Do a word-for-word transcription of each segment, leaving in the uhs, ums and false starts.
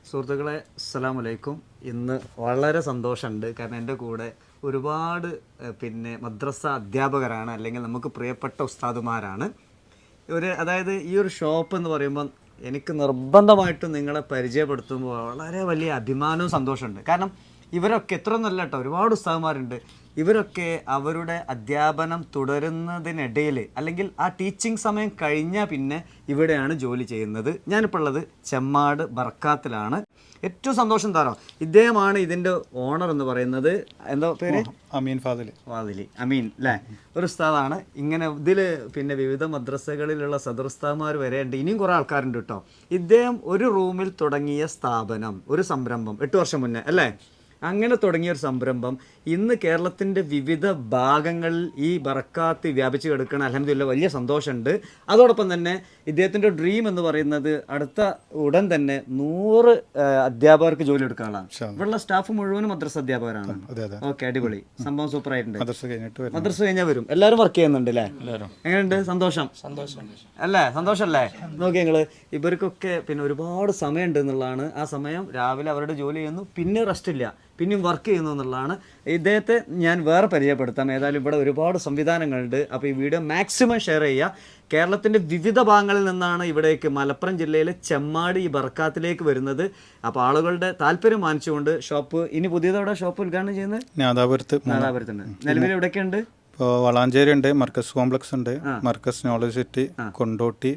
സുഹൃത്തുക്കളെ അസ്സലാമു അലൈക്കും. ഇന്ന് വളരെ സന്തോഷമുണ്ട്. കാരണം എൻ്റെ കൂടെ ഒരുപാട് പിന്നെ മദ്രസ അധ്യാപകരാണ്, അല്ലെങ്കിൽ നമുക്ക് പ്രിയപ്പെട്ട ഉസ്താദുമാരാണ്. ഒരു അതായത് ഈ ഒരു ഷോപ്പ് എന്ന് പറയുമ്പോൾ എനിക്ക് നിർബന്ധമായിട്ടും നിങ്ങളെ പരിചയപ്പെടുത്തുമ്പോൾ വളരെ വലിയ അഭിമാനവും സന്തോഷമുണ്ട്. കാരണം ഇവരൊക്കെ എത്ര നല്ല കേട്ടോ, ഒരുപാട് ഉസ്താദുമാരുണ്ട്. ഇവരൊക്കെ അവരുടെ അധ്യാപനം തുടരുന്നതിനിടയിൽ അല്ലെങ്കിൽ ആ ടീച്ചിങ് സമയം കഴിഞ്ഞാൽ പിന്നെ ഇവിടെയാണ് ജോലി ചെയ്യുന്നത്. ഞാനിപ്പോൾ ഉള്ളത് ചെമ്മാട് ബർക്കാത്തിലാണ്. ഏറ്റവും സന്തോഷം തരാം, ഇദ്ദേഹമാണ് ഇതിൻ്റെ ഓണർ എന്ന് പറയുന്നത്. എന്താ പേര്? അമീൻ ഫാദിൽ. ഫാദിലി അമീൻ അല്ലേ, ഒരു ഉസ്താദാണ്. ഇങ്ങനെ ഇതിൽ പിന്നെ വിവിധ മദ്രസകളിലുള്ള സദറുസ്താദ്മാർ വരെ ഉണ്ട്, ഇനിയും കുറേ ആൾക്കാരുണ്ട് കേട്ടോ. ഇദ്ദേഹം ഒരു റൂമിൽ തുടങ്ങിയ സ്ഥാപനം, ഒരു സംരംഭം എട്ട് വർഷം മുന്നേ അല്ലേ, അങ്ങനെ തുടങ്ങിയ ഒരു സംരംഭം ഇന്ന് കേരളത്തിൻ്റെ വിവിധ ഭാഗങ്ങളിൽ ഈ ബർക്കാത്ത് വ്യാപിച്ച് കിടക്കണം. അൽഹംദുലില്ലാഹ് വലിയ സന്തോഷമുണ്ട്. അതോടൊപ്പം തന്നെ ഇദ്ദേഹത്തിൻ്റെ ഡ്രീം എന്ന് പറയുന്നത് അടുത്ത ഉടൻ തന്നെ നൂറ് അധ്യാപകർക്ക് ജോലി എടുക്കാനുള്ളതാണ്. ഇവിടെയുള്ള സ്റ്റാഫ് മുഴുവനും മദ്രസ അധ്യാപകരാണ്. ഓക്കെ, അടിപൊളി സംഭവം, സൂപ്പർ ആയിട്ടുണ്ട്. മദ്രസ കഴിഞ്ഞാൽ വരും, എല്ലാവരും വർക്ക് ചെയ്യുന്നുണ്ട് അല്ലേ? എങ്ങനെയുണ്ട്? സന്തോഷം അല്ലേ? സന്തോഷമല്ലേ? നോക്കി നിങ്ങൾ, ഇവർക്കൊക്കെ പിന്നെ ഒരുപാട് സമയമുണ്ട് എന്നുള്ളതാണ്. ആ സമയം രാവിലെ അവരുടെ ജോലി ചെയ്യുന്നു, പിന്നെ റെസ്റ്റ് ഇല്ല, പിന്നെയും വർക്ക് ചെയ്യുന്നു എന്നുള്ളതാണ്. ഇദ്ദേഹത്തെ ഞാൻ വേറെ പരിചയപ്പെടുത്താം. ഏതായാലും ഇവിടെ ഒരുപാട് സംവിധാനങ്ങളുണ്ട്. അപ്പോൾ ഈ വീഡിയോ മാക്സിമം ഷെയർ ചെയ്യുക. കേരളത്തിൻ്റെ വിവിധ ഭാഗങ്ങളിൽ നിന്നാണ് ഇവിടേക്ക് മലപ്പുറം ജില്ലയിലെ ചെമ്മാട് ഈ ബർക്കാത്തിലേക്ക് വരുന്നത്. അപ്പോൾ ആളുകളുടെ താല്പര്യം മാനിച്ചുകൊണ്ട് ഷോപ്പ് ഇനി പുതിയതോടെ ഷോപ്പ് ഉദ്ഘാടനം ചെയ്യുന്നത് നാദാപുരത്ത് നാദാപുരത്തുണ്ട്. നിലവിൽ എവിടെയൊക്കെയുണ്ട്? ഇപ്പോൾ വളാഞ്ചേരി ഉണ്ട്, മർക്കസ് കോംപ്ലക്സ് ഉണ്ട്, മർക്കസ് നോളജ് സിറ്റി, കൊണ്ടോട്ടി.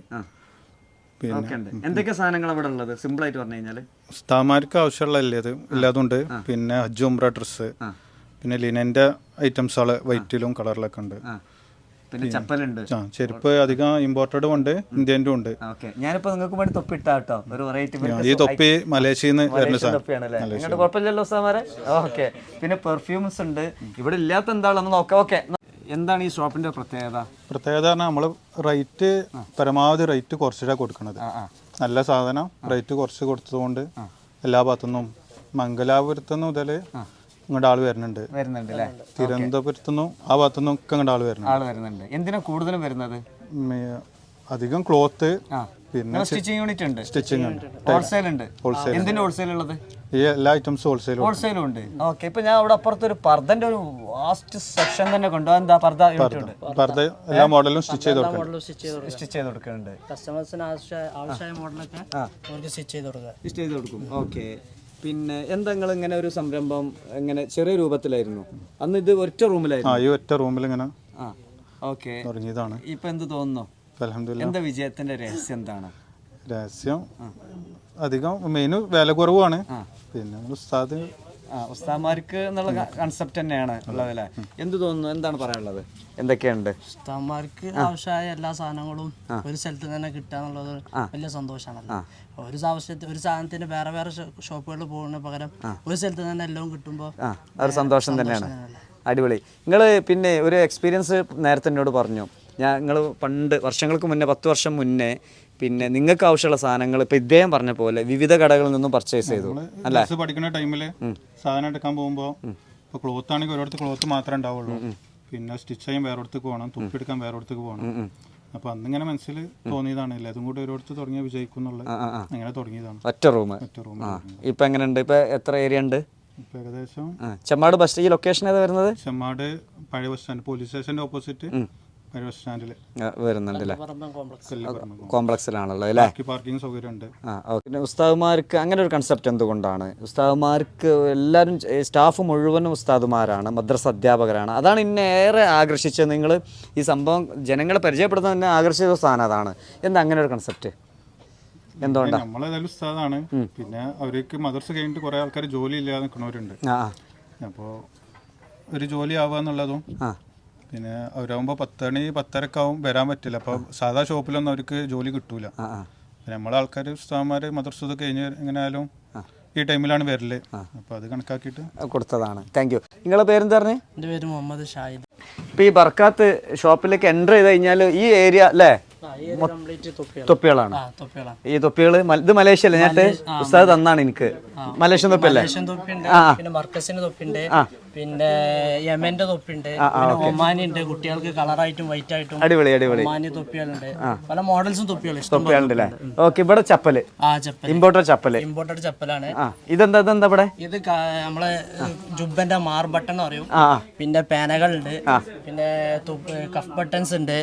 എന്തൊക്കെ സാധനങ്ങൾ അവിടെ ഉള്ളത്? സിമ്പിൾ ആയിട്ട് പറഞ്ഞു കഴിഞ്ഞാൽ ഉസ്താദ്മാർക്ക് ആവശ്യമുള്ള ഇത് എല്ലാതുണ്ട്. പിന്നെ ഹജ്ജ് ഉംറ ഡ്രസ്സ്, പിന്നെ ലിനന്റെ ഐറ്റംസുകള് വൈറ്റിലും കളറിലൊക്കെ ഉണ്ട്. പിന്നെ ചപ്പലുണ്ട്, ചെരുപ്പ് അധികം ഇമ്പോർട്ടഡും ഉണ്ട്, ഇന്ത്യൻ്റെ ഉണ്ട്. ഞാനിപ്പോ നിങ്ങൾക്ക് വേണ്ടി തൊപ്പി ഇട്ടാ കേട്ടോ, ഒരു വെറൈറ്റി. ഈ തൊപ്പി മലേഷ്യയിൽ നിന്ന് വരുന്ന തൊപ്പിയാണല്ലേ? കുഴപ്പമില്ലല്ലോ ഉസ്താദ്മാരെ. ഓക്കെ, പിന്നെ പെർഫ്യൂംസ് ഉണ്ട്. ഇവിടെ ഇല്ലാത്ത എന്താണെന്ന് നോക്കാം. ഓക്കെ, എന്താണ് ഈ ഷോപ്പിന്റെ പ്രത്യേകത? പ്രത്യേകത പറഞ്ഞാൽ നമ്മൾ റേറ്റ് പരമാവധി റേറ്റ് കുറച്ചിട്ടാണ് കൊടുക്കുന്നത്. നല്ല സാധനം റേറ്റ് കുറച്ച് കൊടുത്തതുകൊണ്ട് എല്ലാ ഭാഗത്തുനിന്നും മംഗലാപുരത്തുനിന്ന് മുതൽ ഇങ്ങോട്ട് ആള് വരുന്നുണ്ട് വരുന്നുണ്ട് തിരുവനന്തപുരത്തുനിന്നും ആ ഭാഗത്തുനിന്നും ഒക്കെ ഇങ്ങോട്ട് ആള് വരുന്നുണ്ട്. എന്തിനാ കൂടുതലും വരുന്നത്? അധികം ക്ലോത്ത്, പിന്നെ സ്റ്റിച്ചിങ് യൂണിറ്റ് ഉണ്ട്, സ്റ്റിച്ചിങ് ഉണ്ട്, ഹോൾസെയിൽ ഉണ്ട്. എന്തിന്റെ ഹോൾസെയിൽ ഉള്ളത്? ഈ എല്ലാ ഐറ്റംസും ഹോൾസെയിൽ ഹോൾസെയിലും ഉണ്ട്. ഓക്കെ, ഇപ്പൊ ഞാൻ അവിടെ അപ്പുറത്ത് ഒരു പർദ്ദന്റെ ഒരു വാസ്റ്റ് സെക്ഷൻ തന്നെ കൊണ്ടുപോകാൻ. എന്താ പർദ്ദ യൂണിറ്റ്? പർദ്ദ എല്ലാ മോഡലും സ്റ്റിച്ച് ചെയ്ത് സ്റ്റിച്ച് ചെയ്ത് കൊടുക്കുന്നുണ്ട്. കസ്റ്റമേഴ്സിന് ആവശ്യമായ മോഡലൊക്കെ സ്റ്റിച്ച് ചെയ്ത് കൊടുക്കുക സ്റ്റിച്ച് ചെയ്ത് കൊടുക്കും. ഓക്കെ, പിന്നെ എന്താ നിങ്ങൾ ഇങ്ങനെ ഒരു സംരംഭം ഇങ്ങനെ ചെറിയ രൂപത്തിലായിരുന്നു അന്ന്? ഇത് ഒറ്റ റൂമിലായിരുന്നു? ഈ ഒറ്റ റൂമിൽ ഇങ്ങനെ ഓക്കെ തുടങ്ങിയതാണ്. ഇപ്പൊ എന്ത് തോന്നുന്നു? അൽഹംദുലില്ലാഹ്. എന്താ വിജയത്തിന്റെ രഹസ്യം എന്താണ്? രഹസ്യം അധികം മെയിൻ വില കുറവാണ്. പിന്നെ ഉസ്താദ് ഉസ്താദ്മാർക്ക് എന്നുള്ള കൺസെപ്റ്റ് തന്നെയാണ് ഉള്ളതല്ലേ? എന്ത് തോന്നുന്നു? എന്താണ് പറയാനുള്ളത്? എന്തൊക്കെയുണ്ട്? ഉസ്താദ്മാർക്ക് ആവശ്യമായ എല്ലാ സാധനങ്ങളും ഒരു സ്ഥലത്ത് തന്നെ കിട്ടുക എന്നുള്ളത് വലിയ സന്തോഷമാണല്ലോ. ഒരു ആവശ്യത്തിന് ഒരു സാധനത്തിന് വേറെ വേറെ ഷോപ്പുകളിൽ പോകുന്ന പകരം ഒരു സ്ഥലത്ത് തന്നെ എല്ലാം കിട്ടുമ്പോൾ ഒരു സന്തോഷം തന്നെയാണ്. അടിപൊളി. നിങ്ങൾ പിന്നെ ഒരു എക്സ്പീരിയൻസ് നേരത്തെ എന്നോട് പറഞ്ഞു. ഞാൻ നിങ്ങൾ പണ്ട് വർഷങ്ങൾക്ക് മുന്നേ, പത്ത് വർഷം മുന്നേ പിന്നെ നിങ്ങൾക്ക് ആവശ്യമുള്ള സാധനങ്ങൾ ഇപ്പൊ ഇദ്ദേഹം പറഞ്ഞ പോലെ വിവിധ കടകളിൽ നിന്നും പർച്ചേസ് ചെയ്തു അല്ലേ? പഠിക്കുന്ന ടൈമിൽ സാധനം എടുക്കാൻ പോകുമ്പോൾ ഇപ്പോൾ ക്ലോത്ത് ആണെങ്കിൽ ഒരിടത്ത് ക്ലോത്ത് മാത്രമേ ഉണ്ടാവുള്ളൂ. പിന്നെ സ്റ്റിച്ച് ചെയ്യാൻ വേറൊടത്തേക്ക് പോകണം, തുപ്പിയെടുക്കാൻ വേറൊടത്തേക്ക് പോകണം. അപ്പൊ അന്നിങ്ങനെ മനസ്സിൽ തോന്നിയതാണ്, ഇല്ല അതും കൂടി ഒരിടത്ത് തുടങ്ങിയ വിജയിക്കും എന്നുള്ളത്. അങ്ങനെ തുടങ്ങിയതാണ്. ഒറ്റ റൂം ഒറ്റ റൂം ഇപ്പൊ എങ്ങനെയുണ്ട്? ഇപ്പൊ എത്ര ഏരിയ ഉണ്ട്? ഏകദേശം ചെമ്മാട് ബസ് ഈ ലൊക്കേഷൻ ഏതാ വരുന്നത്? ചെമ്മാട് പഴയ ബസ് സ്റ്റാൻഡ്, പോലീസ് സ്റ്റേഷന്റെ ഓപ്പോസിറ്റ് പഴയ ബസ് സ്റ്റാൻഡിൽ വരുന്നുണ്ടല്ലേ? കോംപ്ലക്സിലാണല്ലോ അല്ലേ? പാർക്കിംഗ് സൗകര്യം ഉണ്ട്. പിന്നെ ഉസ്താദുമാർക്ക് അങ്ങനെ ഒരു കൺസെപ്റ്റ് എന്തുകൊണ്ടാണ്? ഉസ്താദുമാർക്ക് എല്ലാവരും സ്റ്റാഫ് മുഴുവനും ഉസ്താദുമാരാണ്, മദ്രസ അധ്യാപകരാണ്. അതാണ് എന്നെ ഏറെ ആകർഷിച്ചത്. നിങ്ങൾ ഈ സംഭവം ജനങ്ങളെ പരിചയപ്പെടുത്താൻ തന്നെ ആകർഷിച്ച സാധനം അതാണ്. എന്താ അങ്ങനെ ഒരു കൺസെപ്റ്റ്? എന്തുകൊണ്ടാണ്? നമ്മളേതായാലും ഉസ്താദാണ്. പിന്നെ അവർക്ക് മദ്രസ കഴിഞ്ഞിട്ട് കുറെ ആൾക്കാർ ജോലി ഇല്ലാതെ നിൽക്കുന്നവരുണ്ട്. അപ്പോൾ ഒരു ജോലി ആവുക എന്നുള്ളതും, പിന്നെ അവരാകുമ്പോൾ പത്ത് മണി പത്തരക്കാവും വരാൻ പറ്റില്ല. അപ്പോൾ സാധാ ഷോപ്പിലൊന്നും അവർക്ക് ജോലി കിട്ടൂല. നമ്മളെ ആൾക്കാർ ഉസ്താദന്മാർ മദ്രസ കഴിഞ്ഞ് എങ്ങനെയായാലും ഈ ടൈമിലാണ് വരല്. അപ്പോൾ അത് കണക്കാക്കിയിട്ട് കൊടുത്തതാണ്. Thank you. നിങ്ങളെ പേരെന്താ പറഞ്ഞേ? എൻ്റെ പേര് മുഹമ്മദ് ഷാഹിദ്. ഇപ്പോൾ ഈ ബർക്കാത്ത് ഷോപ്പിലേക്ക് എൻ്റർ ചെയ്ത് കഴിഞ്ഞാൽ ഈ ഏരിയ അല്ലേ തൊപ്പികളാണ്? ഈ തൊപ്പികൾ ഇത് മലേഷ്യ അല്ലേ? ഞാൻ ഉസ്താദ് തന്നാണ് എനിക്ക്. മലേഷ്യൻ തൊപ്പിയല്ലേ? പിന്നെ യമന്റെ തൊപ്പിയുണ്ട്, പിന്നെ ഒമാനി ഉണ്ട്, കുട്ടികൾക്ക് കളറായിട്ടും വൈറ്റ് ആയിട്ടും അടിപൊളി അടിപൊളി ഒമാനി തൊപ്പികളുണ്ട്, പല മോഡൽസും തൊപ്പികൾ ഇഷ്ടം തൊപ്പികളുണ്ടല്ലേ. ഓക്കെ, ഇവിടെ ചപ്പല് ആ ചപ്പൽ ഇമ്പോർട്ടഡ് ചപ്പല് ഇമ്പോർട്ടഡ് ചപ്പലാണ്. ആ ഇതെന്താ ഇതെന്താ ഇവിടെ ഇത് ക- നമ്മളെ ജുബന്റെ മാർ ബട്ടൺ എന്ന് പറയും. ആ പിന്നെ പേനകളുണ്ട്, പിന്നെ കഫ് ബട്ടൺസ് ഉണ്ട്,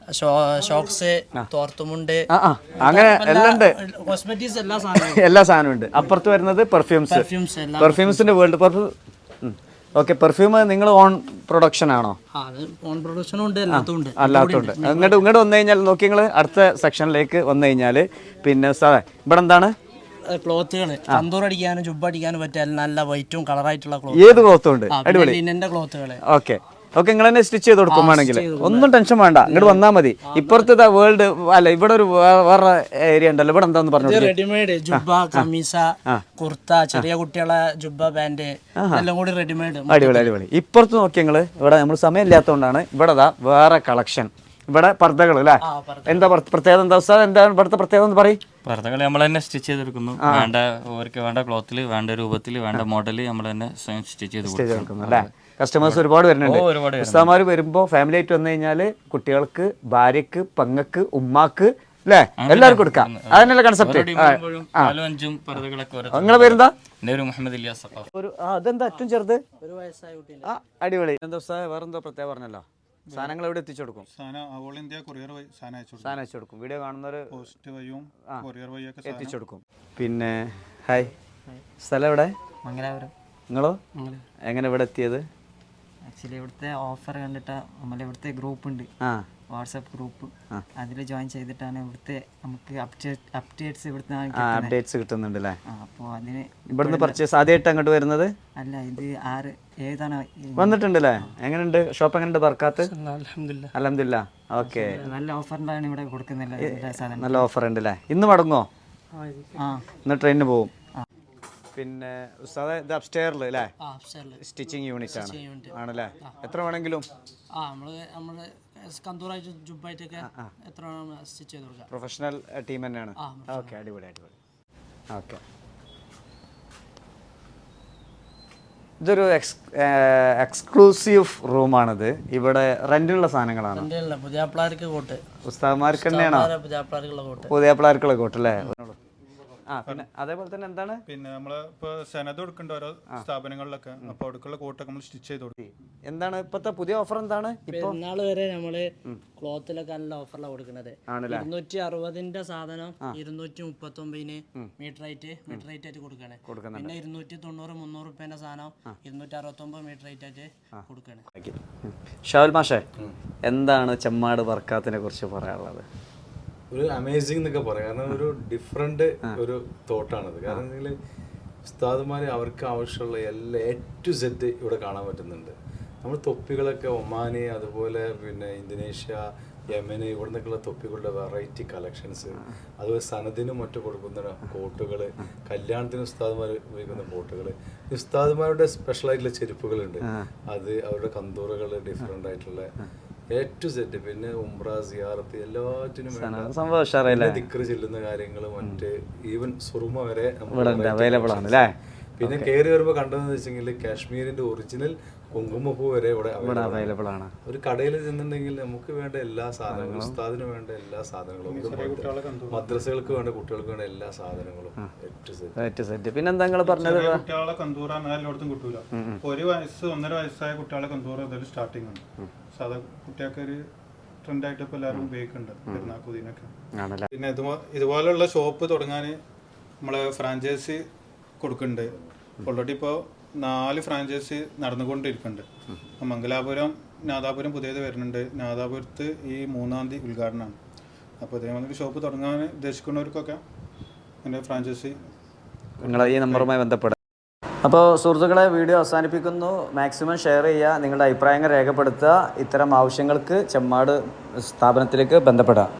ഷോക്സ്, തോർത്തുമുണ്ട്, ആ ആ അങ്ങനെ എല്ലാം ഉണ്ട്. കോസ്മെറ്റിക്സ് എല്ലാ സാധനവും എല്ലാ സാധനവും ഉണ്ട്. അപ്പുറത്ത് വരുന്നത് പെർഫ്യൂംസ് പെർഫ്യൂംസ് എല്ലാം. പെർഫ്യൂംസിന്റെ വേൾഡ് പെർഫ്യൂം. ഓക്കെ, പെർഫ്യൂം നിങ്ങൾ ഓൺ പ്രൊഡക്ഷൻ ആണോ? ആ, അത് ഓൺ പ്രൊഡക്ഷനും ഉണ്ട്, എല്ലാത്തും ഉണ്ട്. അല്ലാത്തുണ്ട്. ഇങ്ങോട്ട് ഇങ്ങോട്ട് വന്നു കഴിഞ്ഞാൽ നോക്കി നിങ്ങൾ അടുത്ത സെക്ഷനിലേക്ക് വന്നു കഴിഞ്ഞാൽ പിന്നെ സാറേ ഇവിടെ എന്താണ് ക്ലോത്തുകൾ തന്തൂർ അടിക്കാനും ജുബ് അടിക്കാനും പറ്റിയ നല്ല വൈറ്റും കളറായിട്ടുള്ള ഏത് ക്ലോത്തും ഉണ്ട്. ക്ലോത്ത്, ലിനന്റെ ക്ലോത്തുകള്. ഓക്കെ ഓക്കെ, നിങ്ങൾ തന്നെ സ്റ്റിച്ച് ചെയ്ത് കൊടുക്കും വേണമെങ്കിൽ ഒന്നും ടെൻഷൻ വേണ്ട, ഇങ്ങോട്ട് വന്നാൽ മതി. ഇപ്പുറത്തെ വേൾഡ് അല്ല, ഇവിടെ ഒരു വേ- വേറെ ഏരിയ ഉണ്ടല്ലോ, ഇവിടെ എന്താന്ന് പറഞ്ഞു. റെഡിമെയ്ഡ് ജുബ, കമീസ, കുർത്ത, ചെറിയ കുട്ടികളെ ജുബ, പാന്റ് എല്ലാം കൂടി റെഡിമെയ്ഡ്. അടിപൊളി അടിപൊളി. ഇപ്പുറത്ത് നോക്കി ഞങ്ങള് ഇവിടെ നമ്മൾ സമയം ഇല്ലാത്തതുകൊണ്ടാണ് ഇവിടെ ദാ വേറെ കളക്ഷൻ. ഇവിടെ പർദ്ദകൾ അല്ലേ, എന്താ പറ- പ്രത്യേകത എന്താ ഉസ്താദ്, എന്താണ് ഇവിടുത്തെ പ്രത്യേകത എന്ന് പറയും? പർദ്ദകൾ നമ്മൾ തന്നെ സ്റ്റിച്ച് ചെയ്തെടുക്കുന്നു. വേണ്ട അവർക്ക് വേണ്ട ക്ലോത്തിൽ, വേണ്ട രൂപത്തിൽ, വേണ്ട മോഡൽ നമ്മൾ തന്നെ സ്വയം സ്റ്റിച്ച് ചെയ്ത് കൊടുക്കുന്നു അല്ലേ. കസ്റ്റമേഴ്സ് ഒരുപാട് വരുന്നുണ്ട്. ഒരുപാട് ഉസ്താദ്മാർ വരുമ്പോൾ ഫാമിലി ആയിട്ട് വന്നു കഴിഞ്ഞാൽ കുട്ടികൾക്ക്, ഭാര്യക്ക്, പെങ്ങക്ക്, ഉമ്മാക്ക് അല്ലേ എല്ലാവർക്കും കൊടുക്കാം. അതന്നെയല്ലേ കൺസെപ്റ്റ്. നാലും അഞ്ചും പർദ്ദകളൊക്കെ ഓരോ. നിങ്ങളെ പേരെന്താ? എൻ്റെ ഒരു മുഹമ്മദ് ഇലിയാസ് സഖാഫ്. ഒരു ആ, അതെന്താ ഏറ്റവും ചെറുത്? ഒരു വയസ്സായ കുട്ടി. ആ അടിപൊളി. എന്താ ഉസ്താദ് വേറെന്തോ പ്രത്യേകം പറഞ്ഞല്ലോ, സാധനങ്ങൾ എവിടെ എത്തിച്ചു കൊടുക്കും? സാധനം ഓൾ ഇന്ത്യ കൊറിയർ വഴി സാധനം അയച്ചു കൊടുക്കും. സാധനം അയച്ചു കൊടുക്കും. വീഡിയോ കാണുന്നവർ പോസ്റ്റ് വഴിയും കൊറിയർ വഴിയൊക്കെ എത്തിച്ചു കൊടുക്കും. പിന്നെ ഹായ്, സ്ഥലം എവിടെ? മംഗലാപുരം. നിങ്ങളോ എങ്ങനെ ഇവിടെ എത്തിയത്? ആക്ച്വലി ഇവിടുത്തെ ഓഫർ കണ്ടിട്ട് നമ്മളെ ഇവിടുത്തെ ഗ്രൂപ്പ് ഉണ്ട്, ആ വാട്സാപ്പ് ഗ്രൂപ്പ്, അതിൽ ജോയിൻ ചെയ്തിട്ടാണ് ഇവിടുത്തെ നമുക്ക് അപ്ഡേറ്റ്സ് ഇവിടുത്തെ അപ്ഡേറ്റ്സ് കിട്ടുന്നുണ്ട് അല്ലേ. അപ്പോൾ അതിന് ഇവിടുന്ന് പർച്ചേസ് ആദ്യമായിട്ട് അങ്ങോട്ട് വരുന്നത്? അല്ല, ഇത് ആറ് ഏതാണ് വന്നിട്ടുണ്ട് അല്ലേ. എങ്ങനെയുണ്ട് ഷോപ്പ്, എങ്ങനെയുണ്ട് ബർക്കാത്ത്? അൽഹംദുലില്ലാ. അൽഹംദുലില്ലാ. ഓക്കെ, നല്ല ഓഫറിലാണ് ഇവിടെ കൊടുക്കുന്നില്ല ഇതിന്റെ സാധനം. നല്ല ഓഫർ ഉണ്ട് അല്ലേ. ഇന്ന് മടങ്ങോ? ആ ഇന്ന് ട്രെയിനിന് പോവും. പിന്നെ ഉസ്താദ് ഇത് അപ്സ്റ്റെയറിൽ അല്ലേ, ആ, upstairs. സ്റ്റിച്ചിങ് യൂണിറ്റ് ആണ് unit. ആണല്ലേ. എത്ര വേണമെങ്കിലും ആ, നമ്മള് നമ്മള് കന്തൂറായിട്ട് ജുബായിട്ടൊക്കെ എത്ര സ്റ്റിച്ച് ചെയ്ത് കൊടുക്കാം. പ്രൊഫഷണൽ ടീം തന്നെയാണ്. ഓക്കെ, അടിപൊളി അടിപൊളി. ഓക്കെ, ഇതൊരു എക്സ് എക്സ്ക്ലൂസീവ് റൂമാണിത്. ഇവിടെ റെന്റിനുള്ള സാധനങ്ങളാണ്. എൻ്റെ അല്ല, പുതിയ പിള്ളേർക്ക് കോട്ട്, ഉസ്താദ്മാർക്ക് തന്നെയാണോ? പുതിയ പിള്ളേർക്കുള്ള കോട്ട്. പുതിയ പിള്ളേർക്കുള്ള കോട്ട് അല്ലേ. ആ പിന്നെ അതേപോലെ തന്നെ എന്താണ് പിന്നെ നമ്മള് ഇപ്പൊ സെനത് കൊടുക്കേണ്ട ഓരോ സ്ഥാപനങ്ങളിലൊക്കെ, അപ്പൊ അവിടേക്കുള്ള കോട്ടൊക്കെ നമ്മൾ സ്റ്റിച്ച് ചെയ്ത് കൊടുക്കും. എന്താണ് ഇപ്പത്തെ പുതിയ ഓഫർ എന്താണ്? പെരുന്നാൾ വരെ നമ്മള് ക്ലോത്തിലൊക്കെ നല്ല ഓഫറിലാണ് കൊടുക്കുന്നത്. ഇരുന്നൂറ്റി അറുപതിന്റെ സാധനം ഇരുന്നൂറ്റി മുപ്പത്തി ഒമ്പതിന് മീറ്റർ ആയിട്ട് മീറ്റർ റേറ്റ് ആയിട്ട് കൊടുക്കണേ. പിന്നെ ഇരുന്നൂറ്റി തൊണ്ണൂറ് മുന്നൂറ് റുപ്യന്റെ സാധനം ഇരുന്നൂറ്റി അറുപത്തി ഒമ്പത് മീറ്റർ റേറ്റ് ആയിട്ട് കൊടുക്കണേ. ഷാവുൽ മാഷേ, എന്താണ് ചെമ്മാട് ബർക്കാത്തിനെ കുറിച്ച് പറയാനുള്ളത്? ഒരു അമേസിംഗ് എന്നൊക്കെ പറയാം. കാരണം ഒരു ഡിഫറെന്റ് ഒരു തോട്ടാണത്. കാരണം നിങ്ങൾ ഉസ്താദുമാർ അവർക്ക് ആവശ്യമുള്ള എല്ലാ എ ടു സെറ്റ് ഇവിടെ കാണാൻ പറ്റുന്നുണ്ട്. നമ്മൾ തൊപ്പികളൊക്കെ ഒമാന്, അതുപോലെ പിന്നെ ഇന്തോനേഷ്യ, യമന്, ഇവിടെ നിന്നൊക്കെയുള്ള തൊപ്പികളുടെ വെറൈറ്റി കളക്ഷൻസ്, അതുപോലെ സനദിനും മറ്റും കൊടുക്കുന്ന കോട്ടുകൾ, കല്യാണത്തിന് ഉസ്താദുമാർ ഉപയോഗിക്കുന്ന കോട്ടുകൾ, ഉസ്താദുമാരുടെ സ്പെഷ്യലായിട്ടുള്ള ചെരുപ്പുകളുണ്ട്, അത് അവരുടെ കന്തൂറുകൾ ഡിഫറെൻ്റ് ആയിട്ടുള്ള എ ടു സെറ്റ്. പിന്നെ ഉംറ, സിയാറത്ത് എല്ലാറ്റിനും ദിക്ർ ചെല്ലുന്ന കാര്യങ്ങൾ, മറ്റ് ഈവൻ സുറുമ വരെ അവൈലബിൾ ആണ് അല്ലേ. പിന്നെ കയറി വരുമ്പോൾ കണ്ടതെന്ന് വെച്ചെങ്കിൽ കാശ്മീരിന്റെ ഒറിജിനൽ കുങ്കുമപ്പൂ വരെ ഇവിടെ അവൈലബിൾ ആണ്. ഒരു കടയിൽ ചെന്നിട്ടുണ്ടെങ്കിൽ നമുക്ക് വേണ്ട എല്ലാ സാധനങ്ങളും, ഉസ്താദിന് വേണ്ട എല്ലാ സാധനങ്ങളും, മദ്രസകൾക്ക് വേണ്ട കുട്ടികൾക്ക് വേണ്ട എല്ലാ സാധനങ്ങളും എ ടു സെറ്റ്. പിന്നെ എന്താ നിങ്ങൾ പറഞ്ഞത്? കുട്ടികളെ കന്തൂറ എല്ലായിടത്തും കിട്ടൂല. ഒരു വയസ്സ് ഒന്നര വയസ്സായ കുട്ടികളെ കന്തൂറ ഇതിൽ സ്റ്റാർട്ടിങ് ഉണ്ട്. സാധാ കുട്ടികൾക്ക് ഒരു ട്രെൻഡായിട്ട് ഇപ്പോൾ എല്ലാവരും ഉപയോഗിക്കുന്നുണ്ട് പെരുന്നാക്കുതിനൊക്കെ. പിന്നെ ഇതുപോ ഇതുപോലെയുള്ള ഷോപ്പ് തുടങ്ങാൻ നമ്മളെ ഫ്രാഞ്ചൈസി കൊടുക്കുന്നുണ്ട്. ഓൾറെഡി ഇപ്പോൾ നാല് ഫ്രാഞ്ചൈസി നടന്നുകൊണ്ടിരിക്കുന്നുണ്ട്. മംഗലാപുരം, നാദാപുരം പുതിയത് വരുന്നുണ്ട്. നാദാപുരത്ത് ഈ മൂന്നാം തീയതി ഉദ്ഘാടനമാണ്. അപ്പോൾ ഇതേമാതിരി ഷോപ്പ് തുടങ്ങാൻ ഉദ്ദേശിക്കുന്നവർക്കൊക്കെ എൻ്റെ ഫ്രാഞ്ചൈസി നിങ്ങൾ ഈ നമ്പറുമായി ബന്ധപ്പെടുക. അപ്പോൾ സുഹൃത്തുക്കളെ, വീഡിയോ അവസാനിപ്പിക്കുന്നു. മാക്സിമം ഷെയർ ചെയ്യുക, നിങ്ങളുടെ അഭിപ്രായങ്ങൾ രേഖപ്പെടുത്തുക. ഇത്തരം ആവശ്യങ്ങൾക്ക് ചെമ്മാട് സ്ഥാപനത്തിലേക്ക് ബന്ധപ്പെടുക.